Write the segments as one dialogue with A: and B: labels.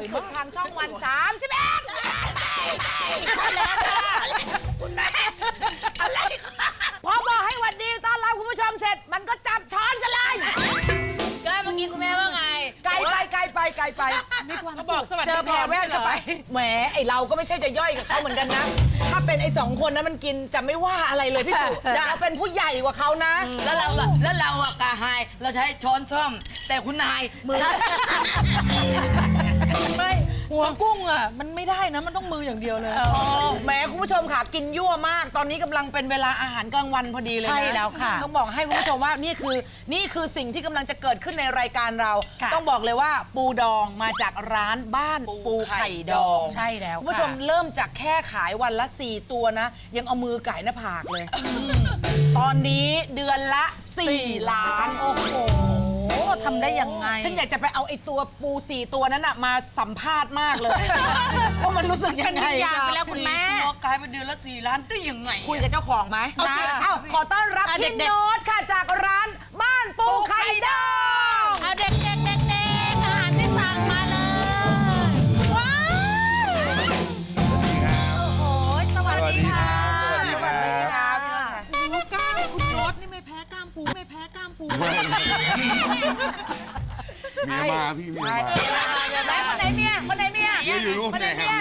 A: สุดทางช่องวัน31ใช่แล้วค่ะคุณแม่อะไรพอบอกให้วันดีต้อนรับคุณผู้ชมเสร็จมันก็จับช้อนกันเลย
B: ก็เมื่อกี้คุณแม่ว่าไง
A: ไกลไปมีความสุขเจอแพรแววเข้าไปแหมไอเราก็ไม่ใช่จะย่อยกับเขาเหมือนกันนะถ้าเป็นไอ2 คนนั้นมันกินจะไม่ว่าอะไรเลยพี่สุเราเป็นผู้ใหญ่กว่าเขานะ
B: แล้วเราอะกาไฮเราใช้ช้อนซ่อม แต่คุณนายมือ
C: ไม่หัวกุ้งอ่ะมันไม่ได้นะมันต้องมืออย่างเดียวเลย
A: แหมคุณผู้ชมค่ะกินยั่วมาก ตอนนี้กำลังเป็นเวลาอาหารกลางวันพอดีเลยนะ
C: ใช่แล้วค่ะ
A: ต้องบอกให้คุณผู้ชมว่านี่คือสิ่งที่กำลังจะเกิดขึ้นในรายการเรา ต้องบอกเลยว่าปูดองมาจากร้านบ้านปูไข่ดอง
C: ใช่แล้ว
A: คุณผู้ชมเริ่มจากแค่ขายวันละ4 ตัวนะ ยังเอามือไก่หน้าผากเลย ตอนนี้เดือนละ4 ล้านโอ้โห
C: ทำได้ยังไง
A: ฉันอยากจะไปเอาไอ้ตัวปู4 ตัวนั้นน่ะมาสัมภาษณ์มากเลย ว่ามันรู้สึกยังไง
C: อยากไปแล้วคุณแม่
B: ตัวกลายเป็นเดือนละ4 ล้านได้ยังไง
A: คุยกับเจ้าของไหมนะเอ้าขอต้อนรับพี่โน้ตค่ะจากร้านบ้านปูไข่ดอง
C: เอาเด็กอาหารที่สั่งมาเลยว้าวโอ้โหสวัสดีค่ะ
D: สวัสดีครับ
C: โอ้โหกล้ามคุณโน้ตนี่ไม่แพ้กล้ามปูไม่แพ้กล้ามปู
D: เมียมาพี่เมียมา
A: ไหนคนไหนเมียคนไหนเมีย
D: เมียอยู่รูปไหนครับ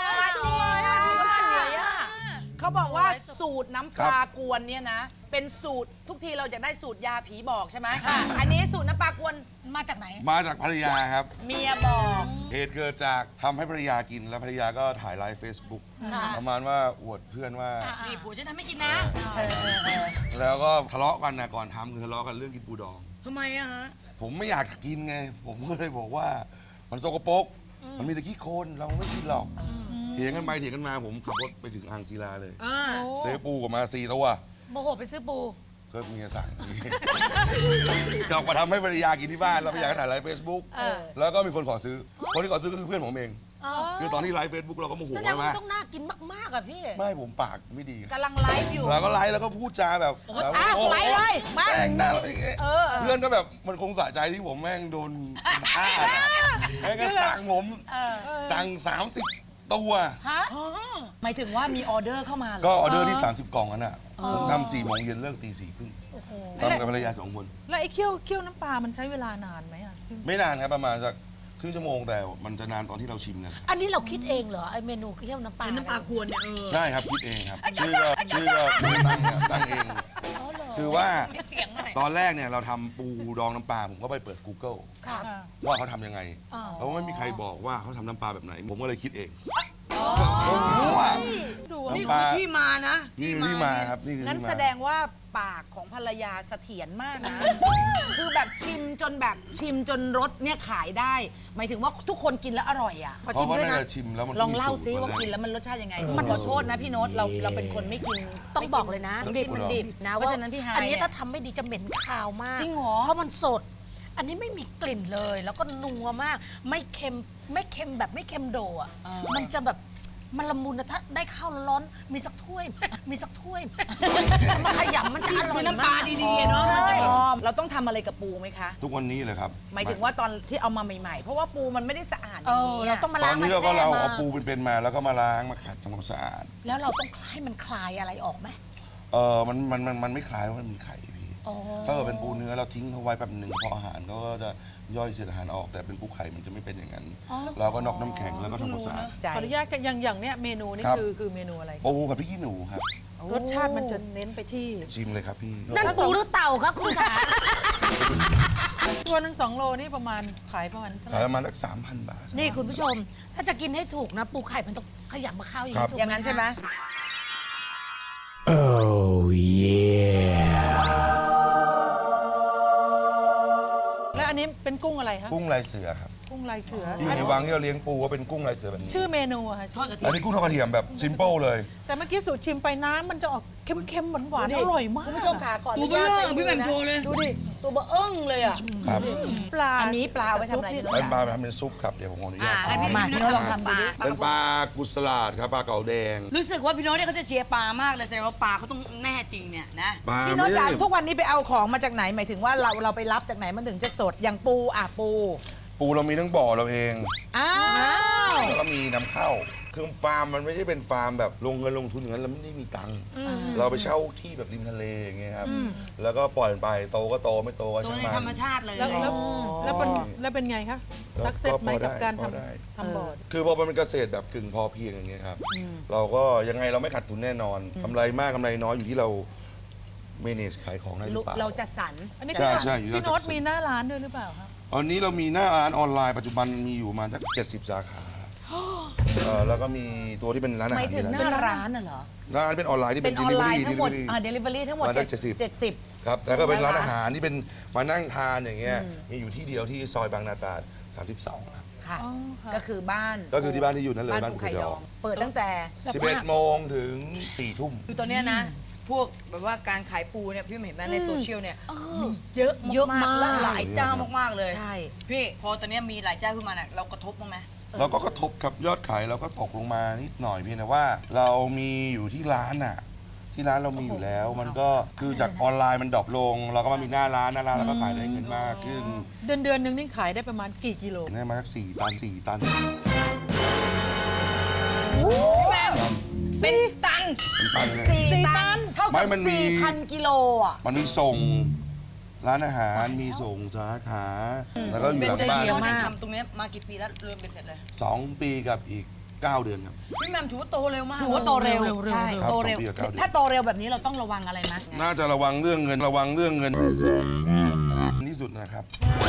A: เขาบอกว่าสูตรน้ำปลากวนเนี่ยนะ เป็นสูตรทุกทีเราจะได้สูตรยาผีบอกใช่ไหมอันนี้สูตรน้ำปลากวนมาจากไหน
D: มาจากภรรยาครับ
A: เมียบอก
D: เหตุเกิดจากทำให้ภรรยากินแล้วภรรยาก็ถ่ายไลฟ์ Facebook ประมาณว่าอวดเพื่อนว่า
B: นี่ผัวฉันทำไม่กินนะ
D: แล้วก็ทะเลาะกันนะก่อนทำคือทะเลาะกันเรื่องกินปูดอง
B: ทำไมอะฮะ
D: ผมไม่อยากกินไง ผมก็เลยบอกว่ามันสกปรกมันมีแต่ขี้โคลนเราไม่กินหรอกเถียงกันไปเถียงกันมาผมขับรถไปถึงอ่างศิลาเลยซื้อปูกลับมา4 ตัว
C: โมโหไปซื้อปู
D: ก็เมียสั่งกลับมาทำให้ภรรยากินที่บ้านแล้วภรรยาก็ถ่ายไลฟ์เฟซบุ๊กแล้วก็มีคนขอซื้อ คนที่ขอซื้อก็คือเพื่อนผมเองคือตอนที่ไลฟ์เฟซบุ๊กเราก็โมโห
C: แสดง
D: ใช่ไหม
C: ว่าต้องน่ากินมากๆอ่ะพี่
D: ไม่ผมปากไม่ดี
A: กำลังไลฟ์อยู่
D: เราก็ไลฟ์แล้วก็พูดจาแบบ
A: ไลฟ์เลยมา
D: แม่งหน้าอะไรอย่างเงี้ยเพื่อนก็แบบมันคงสะใจที่ผมแม่งโดนฆ่าแม่งก็สั่งผมสั่ง30 ตัว
A: หมายถึงว่ามีออเดอร์เข้ามาเหรอ
D: ก็ออเดอร์ที่30 กล่องนั้นอ่ะผมทำ4 โมงเย็นเลิกตี 4 ครึ่งทำกับภรรยา2 คน
C: แล้วไอ้เคี่ยวน้ำปลามันใช้เวลานานไหมอ่ะ
D: ไม่นานครับประมาณสักครึ่งชั่วโมงแต่มันจะนานตอนที่เราชิมกัน
E: อันนี้เราคิดเองเหรอไอเมนูเคี่ยวน้ำปลา
B: น้ำปลากวนเนี่ย
D: ใช่ครับคิดเองครับชื่อก็ไม่ได้ตั้งครับตั้งเอง คือว่าตอนแรกเนี่ยเราทำปูดองน้ำปลาผมก็ไปเปิด Google ว่าเขาทำยังไงแล้วไม่มีใครบอกว่าเขาทำน้ำปลาแบบไหน ผมก็เลยคิดเองนี่
B: คือที่มานะ
D: นี่คือที่มาครับนี่คือ
A: งั้น
D: ที่มา
A: แสดงว่าปากของภรรยาเสถียรมากนะ คือแบบชิมจนรสเนี่ยขายได้ หมายถึงว่าทุกคนกินแล้วอร่อยอ่ะ
D: เพราะว่าน่าจะชิมแล้วมัน
A: ลองเล่าซิ
D: มีสูตร
A: ว่ากินแล้วมันรสชาติยังไงมันขอโทษนะพี่โน้ตเราเป็นคนไม่กิน
E: ต้องบอกเลยนะ
A: ดิบมันดิบนะเพราะฉะนั้นพี่ไฮ
E: อันนี้
A: เนี่ย
E: ถ้าทำไม่ดีจะเหม็นคาวมาก
A: จริงเหรอ
E: เพราะมันสด อันนี้ไม่มีกลิ่นเลย แล้วก็นัวมาก ไม่เค็มแบบไม่เค็มโดอ่ะมันจะแบบมันละมุนนะถ้าได้ข้าวร้อนๆมีสักถ้วยไหมมีสักถ้วยไหมมาขยำมันจะอร่อย
B: คือ
E: มาก
B: น้ำปลาดีๆเนาะ
A: เราต้องทำอะไรกับปูไหมคะ
D: ทุกวันนี้เลยครับ
A: หมายถึงว่าตอนที่เอามาใหม่ๆ เพราะว่าปูมันไม่ได้สะอาดอย่างนี้
E: เราต้องมา
D: ตอ
E: ล้าน ง
D: นี้
E: มา
D: เราก็
E: แช่
D: เรา
E: มา
D: เอาปูเป็นๆมาแล้วก็มาล้างมาขัดทำความสะอาด
E: แล้วเราต้องให้มันคลายอะไรออกไหม
D: มันไม่คล้ายว่ามันมีไข่พี่ถ้าเกิดเป็นปูเนื้อเราทิ้งเขาไว้แป๊บหนึ่งพออาหารเขาก็จะย่อยเศษอาหารออกแต่เป็นปูไข่มันจะไม่เป็นอย่างนั้น เราก็นอกน้ำแข็งแล้วก็ทำความสะอาด
C: ขออนุญาตอย่างเนี้ยเมนูนี่
D: ครับ
C: คือเมนูอะไร
D: ปูกับพริกขี้หนูครับ
C: รสชาติมันจะเน้นไปที่
D: ชิมเลยครับพี่
E: นั่นปูหรือเต่าครับคุณขา
C: ตัวหนึ่ง2 โลนี่ประมาณขายประมาณเท่าไห
D: ขาย
C: ร่
D: ประมาณสัก3,000 บาท
E: นี่คุณผู้ชม ถ้าจะกินให้ถูกนะ ปูไข่มันต้องขยำมาเข้าอย่าง
D: ครั
E: นี้
D: บ
E: ถูก
A: อย่างนั้นใช่ไหม
C: แล้วอันนี้เป็นกุ้งอะไรคะ
D: กุ้งลายเสือครับ
C: กุ้งลายเสือ
D: ที่ในวังที่เราเลี้ยงปูก็เป็นกุ้งลายเสือแบบนี้
C: ชื่อเมนูอะค่ะ
D: อันนี้กุ้งทอดกระเทียมแบบซิมเปิลเลย
C: แต่เมื่อกี้สูตรชิมไปน้ำมันจะออกเค็มๆหวานๆอร่อยมาก
A: คุณผู้ชมค่ะขออ
B: ตัว
A: นุ
B: เบล
A: ญาต
B: อ
A: ใช้
B: พี่แหม่มโชว์เลย
A: ดูดิตัวเบอเอิ้งเลยอ่ะ
D: ครับ
C: ปลา
A: อันนี้ปลาเอาไว้ทำอะไร
D: เป็นปลาทำเป็นซุปครับเดี๋ยวผมขออนุญาต
B: ให้พี่
A: มา
B: พี่
A: พี่
B: โน้
A: โน้
B: ต
A: ต
B: ล
A: ล
B: อ
A: อง ง
B: ทำ
A: ทำ
B: ดู
A: ดู
B: ดิ
A: ดิ
D: เป็นปลากุศลาดครับปลาเก๋าแดง
B: รู้สึกว่าพี่โน้ตเนี่ยเขาจะเชียร์ปลามากเลยแสดงว่าปลาเขาต้องแน่จริงเนี่ยนะ
D: ปลา
A: พี่โน้ต
D: ไม่
A: จ๋า
D: ได้
A: ทุกวันนี้ไปเอาของมาจากไหนหมายถึงว่าเราไปรับจากไหนมันถึงจะสดอย่างปูปู
D: ปูเรามีทั้งบ่อเราเอง
A: อ้าว
D: แล้วก็มีนำเข้าคือฟาร์มมันไม่ใช่เป็นฟาร์มแบบลงเงินลงทุนอย่างนั้นเราไม่ได้มีตังค์เราไปเช่าที่แบบริมทะเลอย่างเงี้ยครับแล้วก็ปล่อยมันไปโตก็โตไม่โตก็
B: ตัว
D: ช่าง
B: ใน
D: มัน
B: ธรรมชาติเลย
F: แล้วเป็นไงคะสักเซสไหมกับการทำบ่อ
D: คือพอมันเป็นเกษตรแบบกึ่งพอเพียงอย่างเงี้ยครับเราก็ยังไงเราไม่ขาดทุนแน่นอนกำไรมากกำไรน้อยอยู่ที่เราmanage ขายของได้หรือเปล่า
A: เราจัดสรร
F: อันนี้
D: ใช่ใช่อยู่
F: พี่
D: แล้ว
F: โน้ต
D: จัด
F: มีหน้าร้านด้วยหรือเปล่าครับ
D: ตอนนี้เรามีหน้าร้านออนไลน์ปัจจุบันมีอยู่ประมาณสัก70 สาขาแล้วก็มีตัวที่เป็นร้านอา
A: หมา
D: หาย ร
A: ถึงห
D: ที่
A: น้าร้านน่ะเหรอ
D: ร้านเป็นออนไลน์ที่
A: เป็
D: เป็น น
A: ออนไลน์
D: delivery
A: ทั้งหมด
D: delivery
A: delivery ทั้งหมด
D: มาได้
A: 70
D: ครับแล้วก็เป็นร้านอาหารที่เป็นมานั่งทานอย่างเงี้ยมีอยู่ที่เดียวที่ซอยบางนาตราด32ครับ
A: ค่ะ ก็คือบ้าน
D: ก็คือที่บ้านที่อยู่นั่นเลย
A: บ้าน
D: บ้าน
A: ภู
D: ภู
A: ไข่
D: ไข่
A: ด
D: ด
A: อ
D: อง ง
A: เปิดตั้งแต่
D: 11 โมงถึง 4 ทุ่ม
B: คือตอนเนี้ยนะ พวกแบบว่าการขายปูเนี่ยพี่เห็นไหมในโซเชียลเนี่ยมีเยอะ
E: เยอะมาก
B: และหลายเจ้ามากๆเลย
A: ใช่
B: พี่พอตอนเนี้ยมีหลายเจ้าขึ้นมาเนี่ยเรากระทบบ้างไหม
D: เราก็กระทบกับยอดขายเราก็ตกลงมานิดหน่อยเพียงแต่ว่าเรามีอยู่ที่ร้านน่ะที่ร้านเรามีอยู่แล้ว มันก็คือจากออนไลน์มันดรอปลง เราก็มามีหน้าร้านแล้วก็ขายได้เงินมากขึ้น
F: เดือนหนึงนี่ขายได้ประมาณกี่กิโล
D: ได้มาสัก4 ตัน 4 ตัน
B: แม่เป็นตัน
D: เป็นตันเลย
A: 4 ตันเท่า
D: ไม่
A: กับ
D: มันมี
A: 4,000 กิโลอ่ะ
D: มันมีส่งร้านอาหารมีส่งสาขาแล้วก็อยู่
B: เป็น
D: หลัง
B: เสร็จ
D: บ้าน
B: พี่โน้ตจะทำตรงเนี้ยมากี่ปีแล้วรวมเป็นเสร็จเลย
D: 2 ปีกับอีก 9 เดือนครับ
B: พี่แหม่มถือว่าโตเร็วมาก
A: ถือว่าโตเร็วใช่
D: ครับ
A: โตเร็ว
D: 2 ปีกับ 9 เดือน
A: ถ้าโตเร็วแบบนี้เราต้องระวังอะไรไหม
D: น่าจะระวังเรื่องเงินที่สุดนะครับ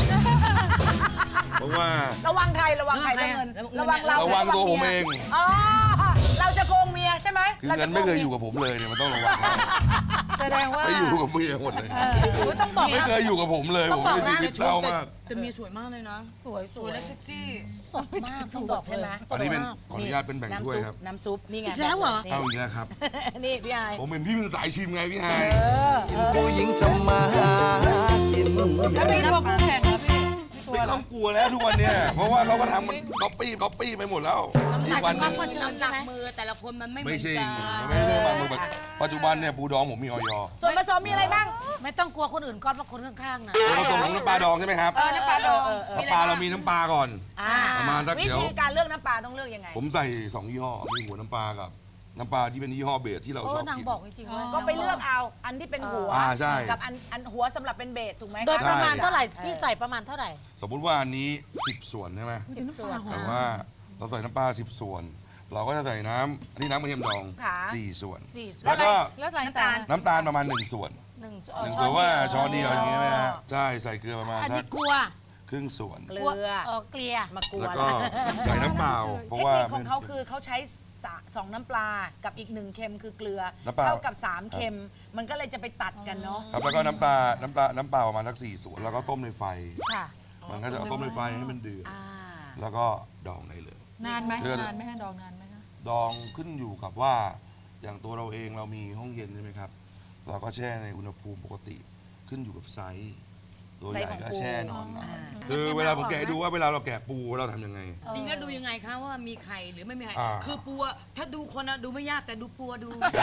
D: เพราะว่า
A: ระวังใครระวังใครเรื่องเงินระวังเรา
D: ระวังตัวผมเอง
A: อ๋อเราจะโกงเมียใช่ไหม
D: คือเงินไม่เคยอยู่กับผมเลยเนี่ยมันต้องระวัง
F: แสดงว่า
D: ไม่อยู่กับเมียหมดเลย
E: ต้องบอก
D: ไม่เคยอยู่กับผมเลยผมเป็นชีวิตเศร้ามาก
B: แต่เมียสวยมากเลยนะ
E: สวย
B: สวยและเซ็กซี่
E: สดมากต้อง
A: ส
E: บ
A: ด
E: อก
A: ใช่ไหม
D: อันนี้เป็นขออนุญาตเป็นแบ่งถ้วยครับ
A: น้ำซุปนี่ไง
E: แล้วเหรอ
D: เอาอีกแล้วครับ
A: นี่พี่ไอ
D: ผมเป็นพี่เป็นสายชิมไงพี่ไฮ
G: ผู้หญิงทำมาหากิน
F: แล้วมีตัวคู่แข่งเหรอพี่มีตัว
D: ไม่
F: อะไร
D: ต้องกลัวแล้วทุกวันเนี้ยเพราะว่าเขาก็ทำมันก๊อปปี้ไปหมดแล้วอีกวันหนึง
E: ก็เชิญ
B: น้ำห
E: ใช่
B: นัก
E: ไหม
B: มือแต่ละคนมันไม่เหมื
D: ไม่
B: อน
D: ใช่
B: กัน
D: ไม่ใช่เรื่องมันแบบปัจจุบันเนี่ยปูดองผมมีออย
A: ส่วนผสมมีอะไรบ้าง
E: ไม่ต้องกลัวคนอื่นก้อนเพราะคนข้างๆนะ
D: ส่วนผสมของน้ำปลาดองใช่ไหมครับ
B: น้ำปลาดอง
D: น้ำปลาเรามีน้ำปลาก่อน ประมาณสัก
A: วิ
D: เดี๋ยว
A: ธีการเลือกน้ำปลาต้องเลือกยังไง
D: ผมใส่2 ยี่ห้อมีหัวน้ำปลากับน้ำปลาที่เป็นยี่ห้อเบสที่เรา
E: โอ้
D: ชอบ
E: นาง
D: กิน
E: บอกจริงๆว่า
A: ก็ไปเลือกเอาอันที่เป็นหัว
D: ใช่
A: กับอันหัวสำหรับเป็นเบสถูกไหม
E: โดย
A: ค
E: ประมาณ
D: ใช่
E: เท่าไหร่พี่ใส่ประมาณเท่าไหร่
D: สมมุติว่าอันนี้10 ส่วนใช่ไหม
E: 10 ส่วน
D: แต่ว่าเราใส่น้ำปลา10 ส่วน เราก็จะใส่น้ำอันนี้น้ำกระเทียมดอง
A: ค่ะ
D: 4 ส่วน
E: 4 ส่ว
D: แล้
E: น
D: วก็
F: แล้วอะไรต่าง
D: น้ำตาลประมาณ1 ส่วน
E: 1 ส่
D: หนึ่งส่วนว่าช้อนเดียวอย่างนี้ไหมฮะใช่ใส่เกลือประมาณ
E: อัน
D: สั
E: นี้
D: ก
E: กลัว
D: ครึ่งส่วน
A: เกลือ
E: เกลีย
A: มากลัว
D: แล้วก็ใส่น้ำเปล่าเพ
A: เท
D: ราะ
A: ค
D: ว่า
A: นิคของเขาคือเขาใช้2น้ำปลากับอีก1เค็มคือเกลือ
D: น้ำเปล่า
A: เท่ากับ3เค็มมันก็เลยจะไปตัดกันเนาะ
D: ครับแล้วก็น้ำเปล่าประมาณสัก4 ส่วนแล้วก็ต้มในไฟ
E: ค่ะ
D: มันก็จะเอาต้มในไฟให้มันเดือด
A: อ่า
D: แล้วก็ดองได้เลย
F: ๆนานไหม
D: เดือน
F: นานไหมฮะดองนานไหมฮะ
D: ดองขึ้นอยู่กับว่าอย่างตัวเราเองเรามีห้องเย็นใช่ไหมครับ เราก็แช่ในอุณหภูมิปกติขึ้นอยู่กับไซส์ตัวใหญ่ก็แช่นอนคือเวลาผมแกะให้ดูว่าเวลาเราแกะปูเราทำยังไง
B: จริงแล้วดูยังไงคะว่ามีไข่หรือไม่มีไข่
D: อ่า
B: คือปูอะถ้าดูคนอะดูไม่ยากแต่ดูปูอะดู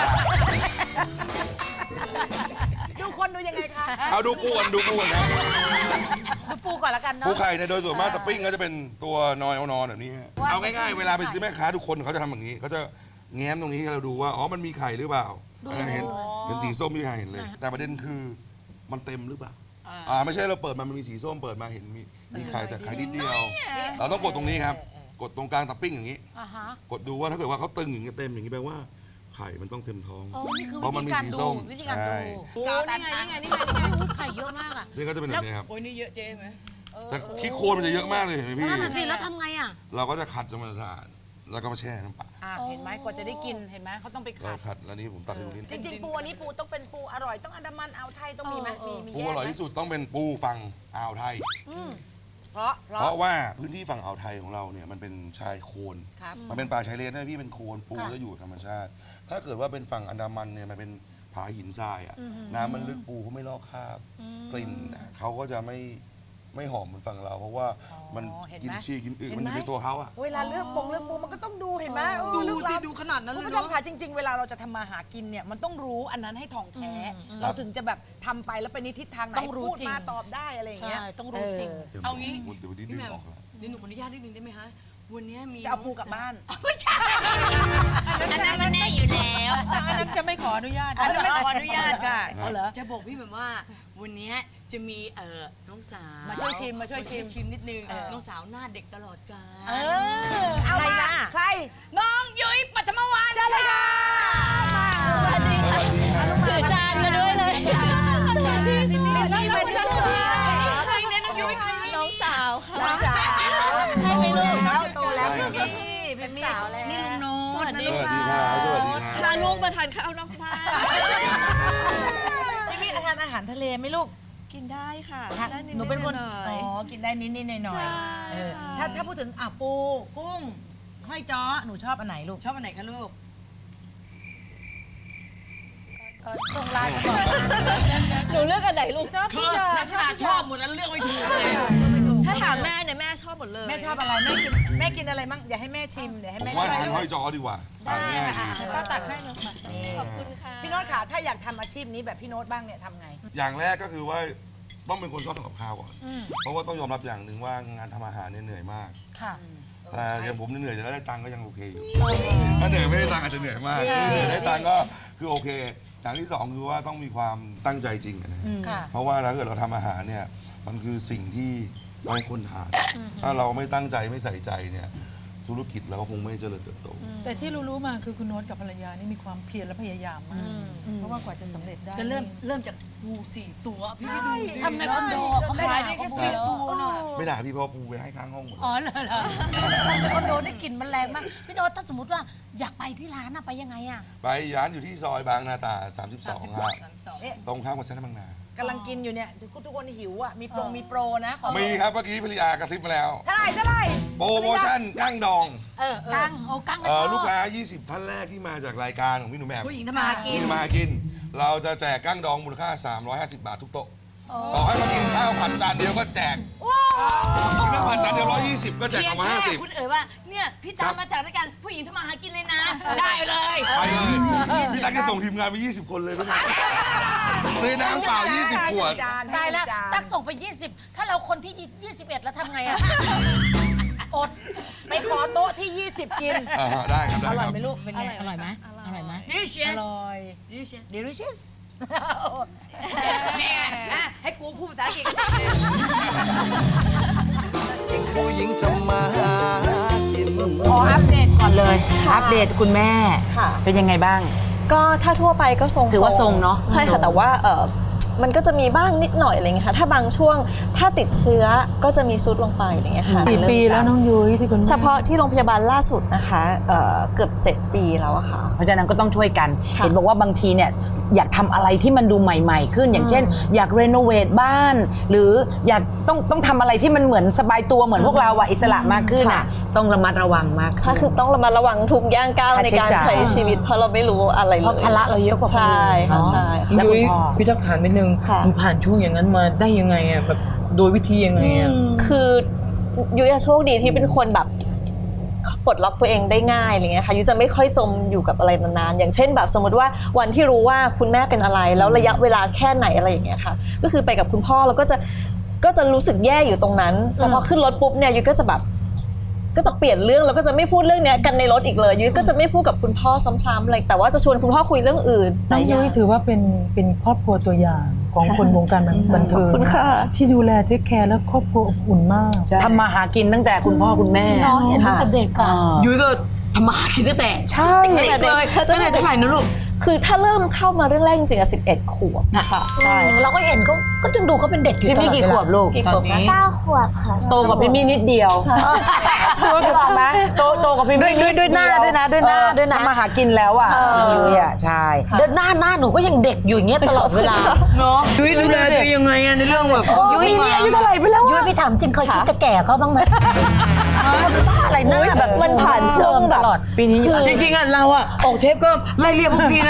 A: ดูคนดูยังไงคะ
D: เอาดูปูกันนะ
E: ดูปูก่อนละกันเนาะ
D: ปูไข่เนี่ยโดยส่วนมากตะปิ้งก็จะเป็นตัวนอนแบบนี้ฮะเอาง่ายๆเวลาไปซื้อแม่ค้าทุกคนเขาจะทำอย่างนี้เขาจะแง้มตรงนี้ให้เราดูว่าอ๋อมันมีไข่หรือเปล่าเห็นสีส้มที่เห็นเลย แต่ประเด็นคือมันเต็มหรือเปล่าไม่ใช่เราเปิดมันมีสีส้มเปิดมาเห็นมีไข่แต่ไข่นิดเดียว เราต้องกดตรงนี้ครับ กดตรงกลางตะปิ้งอย่างนี้
E: อ่าฮะ
D: กดดูว่าถ้าเกิดว่าเขาตึงอย่างนี้เต็มอย่างนี้แปลว่าไข่มันต้องเต็มท้อง
E: โอ้นี่คือ
D: เพราะมัน
E: วิ
D: มี
E: ธีการ
D: สี
E: ดู
D: ส้ม
E: วิธีการ
D: ใช่
E: ดู
B: กาวนี่ไงนี่ไงนี่ไง
E: อุ๊ยไข่เยอะมากอ่ะ
D: นี่ก็จะเป็นแบบนี้ครับ
B: โอ้ยนี่เยอะเจ๊ไหม
D: แต่ขี้โคลนมันจะเยอะมากเลยเห็นไหมพี่
E: นั่นน่ะสิแล้วทำไงอ่ะ
D: เราก็จะขัดจนมันสะอาดแล้วก็มาแช่น้ำปลา
A: เห็นไหมกว่าจะได้กินเห็นไหมเขาต้องไป
D: เรา
A: ขัด
D: ขัดแล้วนี่ผมตัดให้ดูนิด
A: จริงๆปูอันนี้ปูต้องเป็นปูอร่อยต้องอันดามันอ่าวไทยต้องมีไหมมี
D: ปู
A: แย
D: อก ร่อย
A: ไหม
D: ที่สุดต้องเป็นปูฝั่งอ่าวไทย
A: เพราะ
D: เพราะว่าพื้นที่ฝั่งอ่าวไทยของเราเนี่ยมันเป็นชายโคลน
A: ครับ
D: มันเป็นป่าชายเลนนะพี่เป็นโคลนปูจะอยู่ธรรมชาติ ถ้าเกิดว่าเป็นฝั่งอันดามันเนี่ยมันเป็นผาหินทรายอ่ะน้ำมันลึกปูเขาไม่ลอกคราบกลิ่นเขาก็จะไม่ไม่หอมเหมือนฝั่งเรา เพราะว่ามัน
A: เห็นไหม
D: กินชีกินอึ
A: เห็น
D: มัน
A: ไหม
D: อยู่ในตัวเขาอะ
A: เวลาเลือกปูมันก็ต้องดูเห็นไหมเออ
B: ดู
A: เลือก
B: สิ
A: รับ
B: ดูขนาดนั้น
A: คุ
B: เล
A: ณ
B: ย
A: ผู้ชม
B: เนาะ
A: ค่ะจริง ๆ เวลาเราจะทำมาหากินเนี่ยมันต้องรู้อันนั้นให้ทองแท้ เราถึงจะแบบทำไปแล้วไปในทิศทางไหน
E: ต้องรู้
A: พูด
E: จริง
A: มาตอบได้อะไรอย่างเงี้ย
E: ใช่ต้องรู้จริง
B: เอางี้
D: เดี๋ยววันนี้
B: พี่
D: ดึง
B: แหม่ม
D: ออกแล้ว
B: เดี๋ยวหนูขออนุญาตนิดนึงได้ไหมคะวันนี้มี
A: จะเอาปูกลับบ้าน
B: ไม่ใช่
C: อันนั้นมันแน่อยู่แล้ว
F: อันนั้นจะไม่ขออนุญาต
B: อันนี้ขออนุญาตค่ะ
A: เอาเหรอ
B: จะบอกพี่แบบว่าวันนี้จะมีน้องสาว
A: มาช่วยชิมมาช่วยชิม
B: ชิมนิดนึงน้องสาวหน้าเด็กตลอดกาล
A: เอามาใคร
B: น้องยุ้ยปัทมวาน
A: เชิญเลยค่ะ
C: สวัสดีค่ะถือจานมาด้วยเลย สวัสดีค่ะน้องสาว
B: ใครเนี่ยน้องยุ้ยใคร
C: น้องสาวค่ะ
A: น้องสาว
C: ใช่ไหมลูก
A: แล้วโตแล้ว
D: ใช่ครับ
A: เป็นสาวแล้ว
B: นี่ลุงโน้ต
D: สวัสดีครับสวัสดีครับ
C: พาลูกมาทานข้าวนอกบ้าน
A: พี่มี่ทานอาหารทะเลไหมลูก
C: กินได้ค่ะได้ด
A: หนูเป็นคน
C: หอย
A: อ๋อ กินได้นิดๆหน่อย
C: ใช่
A: ๆเออ
C: ค่ะ
A: ถ้าพูดถึงปูกุ้งห้อยจ้อหนูชอบอันไหนลูก
B: ชอบอันไหนคะลูก
A: ตรงร้าน
C: หนูเลือกอันไหนลูกชอบ
B: คื
C: พี่
B: อ
C: เจอ
B: ลักษณะชอบหมดแล้วเลือกไม่ถูกเลย
C: ถ้าถามแม่เนี่ยแม่ชอบหมดเลย
A: แม่ชอบอะไรแม่กินอะไรมั่งเดี๋ยวให้แม่ชิมเดี๋ยวให้
D: ผม
A: แม่
D: ว่า
A: ชิ
D: ทาน
A: ม
D: ห้อยจอดีกว่าทานง่ายดี
C: ก็ตักให้น้องมาขอบคุณค่ะ
A: พี่โน้ตค่ะถ้าอยากทำอาชีพนี้แบบพี่โน้ตบ้างเนี่ยทำไง
D: อย่างแรกก็คือว่าต้องเป็นคนชอบทำกับข้าวก่อน เพราะว่าต้องยอมรับอย่างหนึ่งว่างานทำอาหารเนี่ยเหนื่อยมาก
A: ค่ะ
D: แต่อย่างผมเหนื่อยแต่ได้ตังค์ก็ยังโอเคอยู่ ถ้าเหนื่อยไม่ได้ตังค์อาจจะเหนื่อยมากเหนื่อยได้ตังค์ก็คือโอเค อย่างที่สองคือว่าต้องมีความตั้งใจจริงอะนะ
A: ค่ะ
D: เพราะว่าถ้าเกิดเราทำอาหารเนี่ยมันคือสิ่งที่เราให้คนทาน ถ้าเราไม่ตั้งใจไม่ใส่ใจเนี่ยธุรกิจเราก็คงไม่เจริญเติบโต
F: แต่ที่รู้ๆมาคือคุณโน้ตกับภรรยานี่มีความเพียรและพยายามมาก เพราะว่ากว่าจะสำเร็จได้
B: จะเริ่มจากปู4 ตัวพี่ไปดูดิ
E: ทำในคอนโดเขาไม่
B: ขาย
E: ด่า
B: ได้
E: เขา
B: แค่
E: พูด
B: 4 ตัวน่ะ
D: ไม่ด่าพี่เพราะปูไปให้ข้างห้องหมด
E: อ๋อเหรอในคอนโดได้กลิ่นมันแรงมาก พี่โน้ตถ้าสมมติว่าอยากไปที่ร้านอะไปยังไงอะ
D: ไปร้านอยู่ที่ซอยบางนาตรา32ครับตรงข้ามกับเซ็นทรัลบางนาก
A: ำลังกินอยู่เนี่ยทุกคนหิวอ่ะมีโปรนะของ
D: มีครับเมื่อกี้ภรรยากระซิบมาแล้ว
A: เท่าไหร่
D: โปรโมชั่นกั้งดอง
E: กั้งโอ้กั้งก็ชอบ
D: ลูกค้า 20 ท่านแรกที่มาจากรายการของพี่หนุ่มแหม่ม
B: ผู้หญิงทำมาหากิน
D: ที่มากิน เราจะแจกกั้งดองมูลค่า 350 บาททุกโต๊ะต่อให้มากินข้าวผัดจานเดียวก็แจกข้าวผัดจานเดียว120 ก็แจก
B: เพียงแค่
D: 150
B: คุณเอ๋ยว่าเนี่ยพี่ตามมาจากรายการผู้หญิงทำมาหากินเลยนะ ได้เลย
D: ไปเลยพี่ตั๊กจะส่งทีมงานไป20 คนเลยพี่นะซื้อน้ำเปล่า 20 ขวด
E: ตายแล้วตักส่งไป 20 ถ้าเราคนที่ 21 แล้วทำไงอะอด
A: ไปขอโต๊ะที่ 20 กิน
D: ได้ครับได้
A: อ
D: ค
A: ร่อย
D: รับ
A: ไหมลูก เป็นไง อร่อยไหมอร่อยไหม
B: ดิเชีย
A: อร่อย delicious
B: เนี่ยนะให้กูพูดภาษาอังกฤษ
G: ผู้หญิงทำมาหากิน
A: ขออัปเดตก่อนเลย อัปเดตคุณแม่
H: ค่ะ
A: เป็นยังไงบ้าง
H: ก็ถ้าทั่วไปก็ทรง
A: ถือว่าทรงเนอะ
H: ใช่
A: ทร
H: ค่ะ
A: ง
H: แต่ว่ามันก็จะมีบ้างนิดหน่อยอะไรเงี้ยค่ะถ้าบางช่วงถ้าติดเชื้อก็จะมีซุดลงไปอะไรเงี้ยค่ะ
F: กี่ปีแล้วน้องยุ้ยที่คุณแม่
H: เฉพาะที่โรงพยาบาลล่าสุดนะคะเกือบ 7 ปีแล้วอะค่ะ
I: เพราะฉะนั้นก็ต้องช่วยกัน
H: ค่ะ
I: เห็นบอกว่าบางทีเนี่ยอยากทำอะไรที่มันดูใหม่ๆ ขึ้น อย่างเช่น อยากรีโนเวทบ้าน หรืออยากต้องทำอะไรที่มันเหมือนสบายตัวเหมือนพวกเราอะอิสระมากขึ้นอะต้องระมัดระวังมากขึ้น
H: ใช่คือต้องระมัดระวังทุกย่างก้าว
I: ค่า
H: ใน
I: ใช้
H: การ
I: จ่าย
H: ใช้ชีวิตเพราะเราไม่รู้อะไรเลย
E: เพราะภาระเราเยอะกว่าคน
H: ใช่
E: อื่น
H: ค่ะ
E: เนาะ
H: ใช่
I: แล้วคุณ
J: ยุ้ย
I: พ่อ
J: พี่ต้องถามนิดนึง
H: ค่ะ
J: หนูผ่านช่วงอย่างนั้นมาได้ยังไงอ่ะแบบโดยวิธียังไงอ่ะ
H: คือยุ้ยอะโชคดีที่เป็นคนแบบปลดล็อกตัวเองได้ง่ายอะไรเงี้ยค่ะยุ้ยจะไม่ค่อยจมอยู่กับอะไรนานๆอย่างเช่นแบบสมมติว่าวันที่รู้ว่าคุณแม่เป็นอะไรแล้วระยะเวลาแค่ไหนอะไรอย่างเงี้ยค่ะก็คือไปกับคุณพ่อแล้วก็จะรู้สึกแย่อยู่ตรงนั้นแต่พอขึ้นรถปุ๊บเนี่ยยุ้ยก็จะแบบก็จะเปลี่ยนเรื่องแล้วก็จะไม่พูดเรื่องเนี้ยกันในรถอีกเลยยุ้ยก็จะไม่พูดกับคุณพ่อซ้ำๆอะไรแต่ว่าจะชวนคุณพ่อคุยเรื่องอื่น
F: น้องยุ้ยถือว่าเป็นครอบครัวตัวอย่างของคนวงการบันเทิง
H: ขอบคุณค่ะ
F: ที่ดูแลเทคแคร์และครอบครัวอบอุ่นมาก
I: ทำมาหากินตั้งแต่คุณพ่อคุณแม่
E: น้องเห็นตั้งแต่เด็กอะ
B: ยุ้ยก็ทำมาหากินตั้งแต่
I: ใช่
B: เด็กเลยตั้งแต่เท่าไหร่นะลูก
H: คือถ้าเริ่มเข้ามาเรื่องแรกจริงๆอะ11 ขวบค่ะใช่
E: เราก็เห็นก็จึงดูเขาเป็นเด็กอยู่
I: พี่มี่กี่ขวบลูก
H: กี่ขวบนะ
C: 9 ขวบค่ะ
I: โตกว่าพี่มี่นิดเดียวถูกไหมโตกว่าพี่มี่ด้วยหน้าด้วยนะทำมาหากินแล้วอ่ะยุ้ยอ่ะใช่
E: เดินหน้าหนูก็ยังเด็กอยู่อย่างเงี้ยตลอดเวลา
B: เนาะ
J: ยุ้ยดูแลตัวเองยังไงอ่ะในเรื่องแบบ
E: ยุ้ยนี่อายุเท่าไหร่ไปแล้วยุ้ยพี่ถามจริงเคยคิดจะแก่เขาบ้างไหมอะไรหน้าแบบ
H: มันผ่านช่วงแบบ
E: ตลอด
I: ปีนี้
B: จริงๆอ่ะเราอ่ะออกเทปก็ไล่เรียกพวกพี่นะ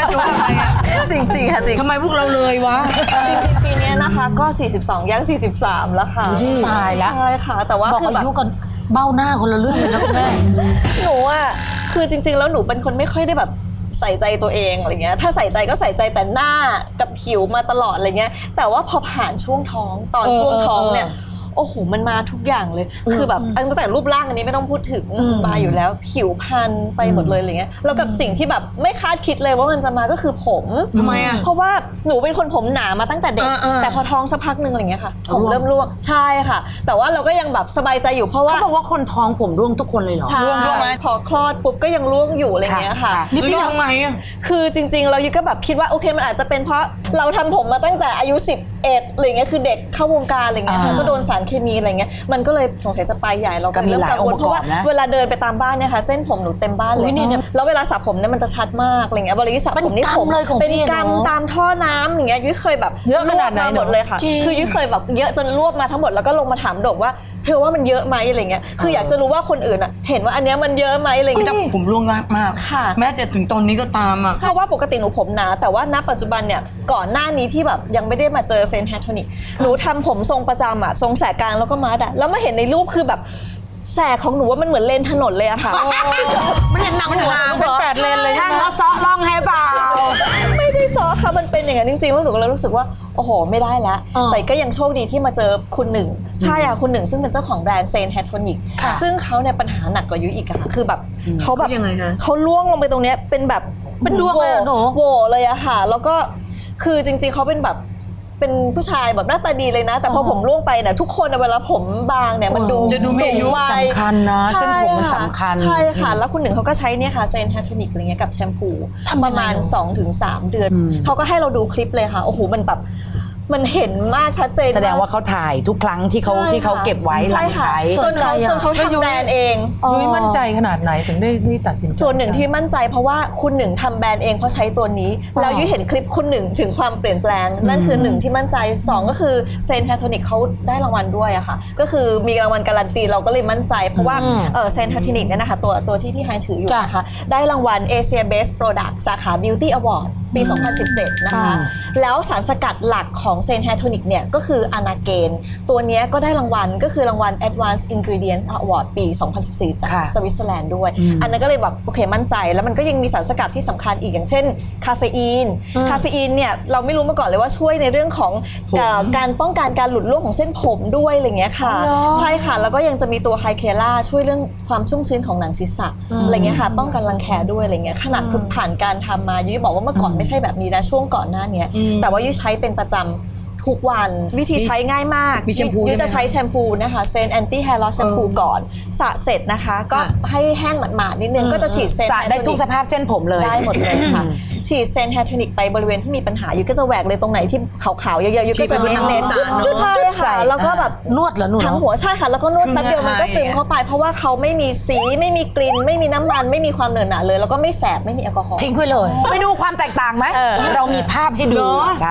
H: จริงๆค่ะจริง
J: ทำไมพวกเราเลยวะ
H: จริงๆปีนี้นะคะก็ 42ย่าง43 แล้วค่ะ
I: ตายละ
H: ใช่ค่ะแต่ว่า
E: บอก
H: คือ
E: อา
H: แบบ
E: ยุกันเบ้าหน้าคนละเรื่องเลยนะคุณแม่
H: หนูอ่ะคือจริงๆแล้วหนูเป็นคนไม่ค่อยได้แบบใส่ใจตัวเองอะไรเงี้ยถ้าใส่ใจก็ใส่ใจแต่หน้ากับผิวมาตลอดอะไรเงี้ยแต่ว่าพอผ่านช่วงท้องตอนช่วงท้องเนี่ยโอ้โหมันมาทุกอย่างเลยคือแบบตั้งแต่รูปร่างอันนี้ไม่ต้องพูดถึงมาอยู่แล้วผิวพรรณไปหมดเลยอะไรเงี้ยแล้วกับสิ่งที่แบบไม่คาดคิดเลยว่ามันจะมาก็คือผมทำไมอ่ะเพราะว่าหนูเป็นคนผมหนามาตั้งแต่เด็กแต่พอท้องสักพักนึงอะไรเงี้ยค่ะผมเริ่มร่วงใช่ค่ะแต่ว่าเราก็ยังแบบสบายใจอยู่เพราะว่า
I: เขาบอกว่าคนท้องผมร่วงทุกคนเลยเหรอ
H: ใช่พอคลอดปุ๊บก็ยังร่วงอยู่อะไรเงี้ยค่ะ
J: นี่พี่ทำไงอ่ะ
H: คือจริงๆเรายุก็แบบคิดว่าโอเคมันอาจจะเป็นเพราะเราทำผมมาตั้งแต่อายุ11อะไรเงี้ยคือเด็กเข้าวงการอะไรเงี้ยค่ะก็โดนสารเคมีอะไรเงี้ยมันก็เลยสงสัยจะไปใหญ่เราก็เริ่มกังวลเพราะว่าเวลาเดินไปตามบ้านเนี่ยค่ะเส้นผมหนูเต็มบ้านเลยแล้วเวลาสระผมเนี่ยมันจะชัดมากอะไรเงี้ยเวลายุสระผมนี่ผมเป็นกำตามท่อน้ำอย่างเงี้ยยุเคยแบบเยอะขนาดไหนหมดเลยค่ะคือยุเคยแบบเยอะจนรวบมาทั้งหมดแล้วก็ลงมาถามโดกว่าเธอว่ามันเยอะไหมอะไรเงี้ยคืออยากจะรู้ว่าคนอื่นอ่ะเห็นว่าอันเนี้ยมันเยอะไหมอะไรเงี้ย
J: ผมร่วงมาก
H: ค่ะ
J: แม้แต่ถึงตอนนี้ก็ตามอ่ะ
H: เพราะว่าปกติหนูผมหนาแต่ว่าณปัจจุบันเนี่ยก่อนหน้านี้ที่แบบยังไม่ได้มาเจอเซนต์แฮทโทนิกหนูทำผมทรงประจำอะทรงแสกกลางแล้วก็มัดอะแล้วมาเห็นในรูปคือแบบแสกของหนูว่ามันเหมือนเลนถนนเลยอะค่ะ
E: มันยังหนังหัว
F: เป็น8 เลนเลยใช่ไหม
I: เขาซ้อลองให้เปล่า
H: ไม่ได้ซ้อค่ะมันเป็นอย่างนั้นจริงๆแล้วหนูก็เลยรู้สึกว่าโอ้โหไม่ได้แล้วแต่ก็ยังโชคดีที่มาเจอคุณหนึ่งใช่ค่ะคุณหนึ่งซึ่งเป็นเจ้าของแบรนด์เซนแฮทโทนิกซึ่งเขาเนี่ยปัญหาหนักกว่ายุ้ยอีกอะค่ะคือแบบเขาแบบ
J: ยังไงคะ
H: เขาล่วงลงไปตรงเนี้ยเป็นแบบ
E: เป็นดวงเลยอะหนู
H: โหวเลยอะค่ะแล้วก็คือจริงๆเขาเป็นแบบเป็นผู้ชายแบบหน้าตาดีเลยนะ แต่พอผมร่วงไปเนี่ยทุกคนเวลาผมบางเนี่ยมันดู
J: จะดูมีอายุ
H: สูงวัย
I: สำคัญนะเส้นผมมันสำคัญ
H: ใช่ค่ะแล้วคุณหนึ่งเขาก็ใช้เนี่ยค่ะเซนแฮทโทนิกอะไรเงี้ยกับแชมพูประมาณ 2-3 เดือนเขาก็ให้เราดูคลิปเลยค่ะโอ้โหมันแบบมันเห็นมากชัดเจน
I: แสดงว่าเขาถ่ายทุกครั้งที่เขาเก็บไว้หลังใช้
H: จนเขาทำแบรนด์เอง
F: ยุ้ยมั่นใจขนาดไหนถึงได้ตัดสินใจ
H: ส่วนหนึ่งที่มั่นใจเพราะว่าคุณหนึ่งทำแบรนด์เองเพราะใช้ตัวนี้แล้วยุ้ยเห็นคลิปคุณหนึ่งถึงความเปลี่ยนแปลงนั่นคือหนึ่งที่มั่นใจ2ก็คือเซนแฮทโทนิกเขาได้รางวัลด้วยอะค่ะก็คือมีรางวัลการันตีเราก็เลยมั่นใจเพราะว่าเซนแฮทโทนิกเนี่ยนะคะตัวที่พี่ไฮถืออยู่นะคะได้รางวัล Asia Best Product สาขา Beauty Award ปี 2017 นะคะแล้วสารสกัดหลักของเซนแฮทโทนิกเนี่ยก็คืออนาเกนตัวนี้ก็ได้รางวัลก็คือรางวัล Advanced Ingredient Award ปี 2014 จากสวิตเซอร์แลนด์ด้วยอันนั้นก็เลยแบบโอเคมั่นใจแล้วมันก็ยังมีสารสกัดที่สำคัญอีกอย่างเช่นคาเฟอีนเนี่ยเราไม่รู้มาก่อนเลยว่าช่วยในเรื่องของการป้องกันการหลุดร่วงของเส้นผมด้วยอะไรเงี้ยค่ะใช่ค่ะแล้วก็ยังจะมีตัวไฮเคล่าช่วยเรื่องความชุ่มชื้นของหนังศีรษะอะไรเงี้ยค่ะป้องกันรังแคด้วยอะไรเงี้ยขนาดคุณผ่านการทำมายุ้ยบอกว่าเมื่อก่อนไม่ใช่แบบนี้นะช่วงก่อนหน้านี้แต่ว่ายุ้ยใช้เป็นประจำทุกวันวิธีใช้ง่ายมาก
J: มีแชมพู
H: ยุ้ยจะใช้แชมพูนะคะเซนแอนตี้แฮร์ลอสแชมพูก่อนสระเสร็จนะคะก็ให้แห้งหมาดๆนิดนึงก็จะฉีดเซน
I: สระได้ทุกสภาพเส้นผมเลย
H: ได้หมดเลยค่ะฉีดเซนแฮทโทนิกไปบริเวณที่มีปัญหายุ้ยก็จะแหวกเลยตรงไหนที่ขาวๆเยอะๆยุ้ยก็จะเน้นๆใช่ค่ะแล้วก็แบบ
E: นวดเหรอหนู
H: ทั้งหัวใช่ค่ะแล้วก็นวดแป๊บเดียวมันก็ซึมเข้าไปเพราะว่าเขาไม่มีสีไม่มีกลิ่นไม่มีน้ำมันไม่มีความเหนอะหนะเลยแล้วก็ไม่แสบไม่มีแอลกอฮอล์
E: ทิ้งไปเลย
I: ไปดูความแตกต่างไหมเรามีภาพให้ดูใช่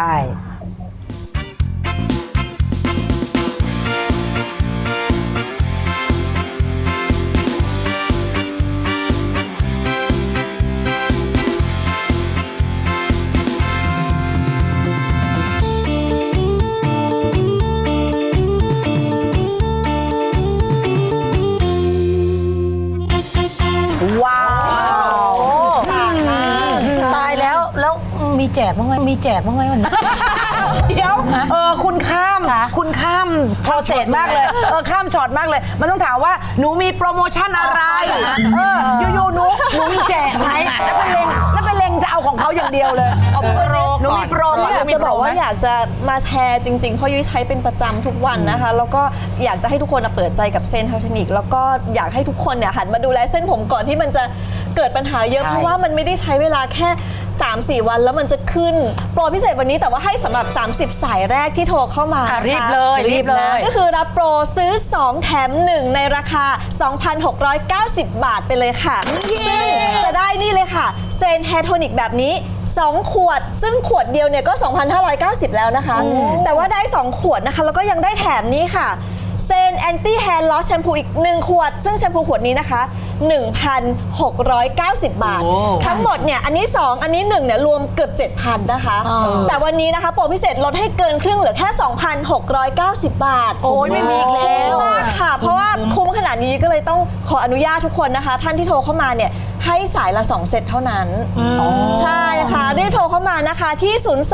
I: ว้าว
E: ตายแล้วมีแจกบ้างไหมมีแจกบ้างไหมวันนี้
I: เดี๋ยวคุณข้าม
E: ค่ะ
I: คุณข้ามโปรเซสมากเลยข้ามช็อตมากเลย มันต้องถามว่าหนูมีโปรโมชั่นอะไรอยู่ๆหนูมีแจกไหมแล้วไปเล็งจะเอาของเขาอย่างเดียวเลยหนูมีโปร
H: อยากจะบอกว่าอยากจะมาแชร์จริงๆเพราะยุ้ยใช้เป็นประจำทุกวันนะคะแล้วก็อยากจะให้ทุกคนเปิดใจกับเซนแฮทโทนิกแล้วก็อยากให้ทุกคนเนี่ยหันมาดูแลเส้นผมก่อนที่มันจะเกิดปัญหาเยอะเพราะว่ามันไม่ได้ใช้เวลาแค่ 3-4 วันแล้วมันจะขึ้นโปรพิเศษวันนี้แต่ว่าให้สำหรับ 30 สายแรกที่โทรเข้ามานะคะ
E: รีบเลย
H: ก็คือรับโปรซื้อ 2 แถม 1 ในราคา 2,690 บาทไปเลยค่ะซึ่งจะได้นี่เลยค่ะเซนแฮทโทนิกแบบนี้ 2 ขวดซึ่งขวดเดียวเนี่ยก็ 2,590 แล้วนะคะแต่ว่าได้ 2 ขวดนะคะแล้วก็ยังได้แถมนี้ค่ะเซนแอนตี้แฮร์ลอสแชมพูอีก1 ขวดซึ่งแชมพูขวดนี้นะคะ 1,690 บาท ทั้งหมดเนี่ยอันนี้ 2 อันนี้ 1เนี่ยรวมเกือบ 7,000 นะคะ แต่วันนี้นะคะโปรพิเศษลดให้เกินครึ่งเหลือแค่ 2,690 บาท
C: โอ้ยไม่มีอีกแล้ว
H: มากค่ะ เพราะว่าคุ้มขนาดนี้ก็เลยต้องขออนุญาตทุกคนนะคะ ท่านที่โทรเข้ามาเนี่ยให้สายละ 2 เซตเท่านั้นใช่ค่ะรีบโทรเข้ามานะคะที่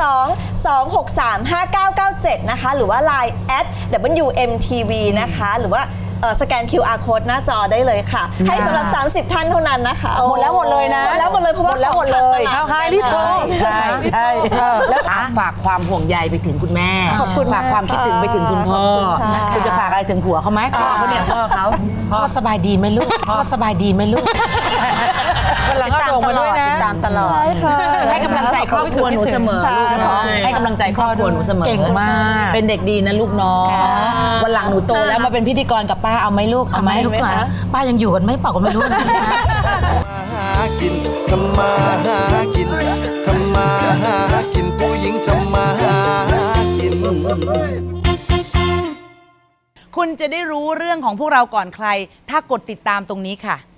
H: 02-263-5997 นะคะหรือว่า Line @WMTV นะคะหรือว่าสแกน QR code หน้าจอได้เลยค่ะ ให้สำหรับ 30 ท่านเท่านั้นนะคะ
I: หมดแล้วหมดเลยนะ
H: หมดแล้วหมดเลยเพราะว่า
I: หมดแล้วหมดเลย
H: ของขาตลาด
I: เอาใครรีบโทรใช่ใช่แล้วฝากความห่วงใยไปถึงคุณแม่
H: ขอบคุณ
I: ฝากความคิดถึงไปถึงคุณพ่อ
H: ขอบคุณค่ะ
I: คุณจะฝากอะไรถึงผัวเขาไหมพ่อเขาเนี่ยพ่อเขาพ่อสบายดีไหมลูกพ่อสบายดีไหมลูก
F: วันหลังเอาโด่งมาด้วยนะ
I: ติดตามตลอด
H: ใช่ค่ะ
I: ให้กำลังใจครอบครัวหนูเสมอลูกเนาะให้กำลังใจครอบครัวหนูเสมอ
C: เก่งมาก
I: เป็นเด็กดีนะลูกเนาะวันหลังหนูโตแล้วมาเป็นพิธีกรกับป้าเอาไหมลูกเอาไหม
C: ลูกหลานป้ายังอยู่กันไหม่เปล่าก็ไม่รู้นะ
G: หากินทำมาหากินทำมาหากินผู้หญิงทำมาหากิน
K: คุณจะได้รู้เรื่องของพวกเราก่อนใคร ถ้ากดติดตามตรงนี้ค่ะ